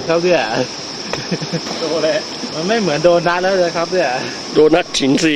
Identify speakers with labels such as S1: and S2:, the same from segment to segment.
S1: ครับเนี่ยโดนเลยมันไม่เหมือนโดนัทแล้วเลยครับเนี่ย
S2: โดนัทฉินซี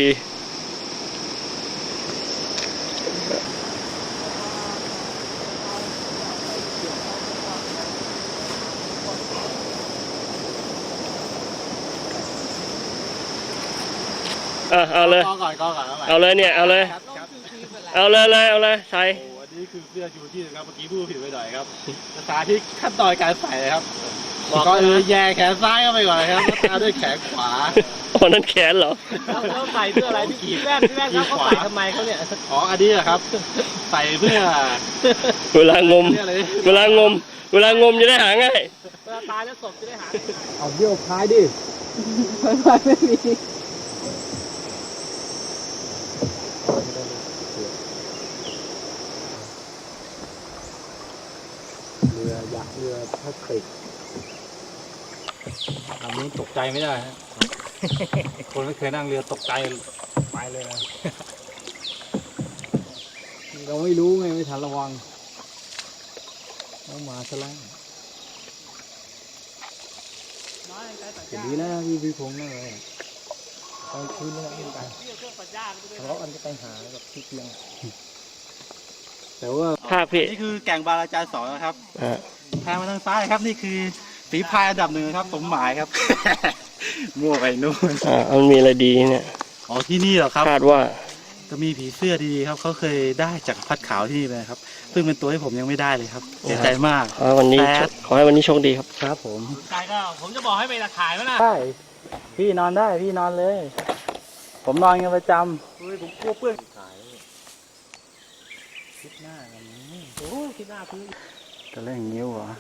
S2: เอาเลย
S1: ก่อน
S2: เอาเลยเนี่ยเอาเลยเอาเลยใส่
S1: โอ้อันนี้คือเสื้อชูชีพครับเมื่อกี้พูดผิดไปหน่อยครับภาษาที่ขั้นตอนการใส่ครับก็แย่แขนซ้ายเข้าไปก่อนครับตามด้วยแขนขวา
S2: อ๋อนั่นแขนเหรอ
S3: แล้วใส่เพื่ออะไรพี่แว่นเขาใส่ทำไมเขาเนี่ย
S1: อ๋ออันนี้ครับใส่เพื่อ
S2: เวลางมเวลางมจะได้หาง่าย
S3: เวลาตายแล้วศพจะได้หา
S1: เอาเดี่ยวพายดิพายไม่มีเรือยักษ์เรือพลาสติกลำนี้ตกใจไม่ได้ฮะคนไม่เคยนั่งเรือตกใจไปเลยนะเราไม่รู้ไงไม่ทันระวังเอามาซะแล้วอย่างนี้นะพี่พงษ์นั่นเลยตอนคืนนี่ไม่ไปทะเลาะกันจะไปหาแบบที่เตียงแต่ว่า
S2: ภาพพี่
S1: นี่คือแก่งบาราจารย์2นะครับแทงมาทางซ้ายครับนี่คือฝีพายอันดับ 1ครับสมหมายครับ มั่วไปนู่น
S2: มันมีอะไรดีเนี่ย
S1: อ๋อที่นี่เหรอครับ
S2: คาดว่า
S1: จะมีผีเสื้อดีๆครับเขาเคยได้จากพัดขาวที่นี่เลยครับซึ่งเป็นตัวที่ผมยังไม่ได้เลยครับเสียใจมาก
S2: ขอให้วันนี้โชคดีครับ
S1: ครับผม
S3: ใจก็ผมจะบอกให้ไปตะขายมั้ยนะ
S1: ใช่พี่นอนได้พี่นอนเลยผมนอนกันประจำผมกลัวเปื้อนคิดหน้ากันนี้
S3: โอ้คิดหน้าพื้น
S1: จะเล่นงิ้วเหรอ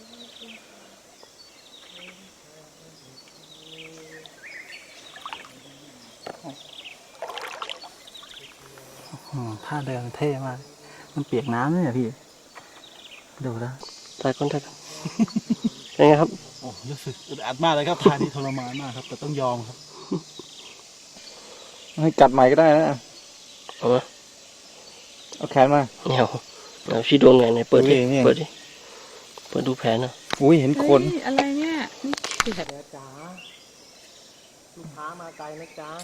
S1: ท่าเดินเท่มากมันเปียกน้ำเนี่ยพี่ดูแล้ว
S2: ถ่ายคนเป็นไงครับ
S1: โอ้รู้สึกอึดอัดมากเลยครับพานี่ทรมานมากครับแต่ต้องยอมครับให้กัดใหม่ก็ได้นะเอาแขนมา
S2: เอาพี่โดนไงไหนเปิดดิเปิดดูแผลนะ
S1: อุ้ยเห็นคน
S3: อะไรเนี่ยนี่
S1: แผลจ๋าลูกค้ามาไกลนะจ๊ะ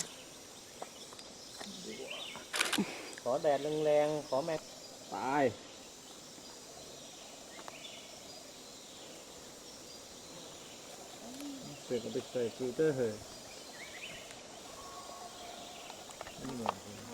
S1: ขอแดดแรงๆขอแม็กตายเสร็จก็ไปใส่ฟิลเตอร์เหรอ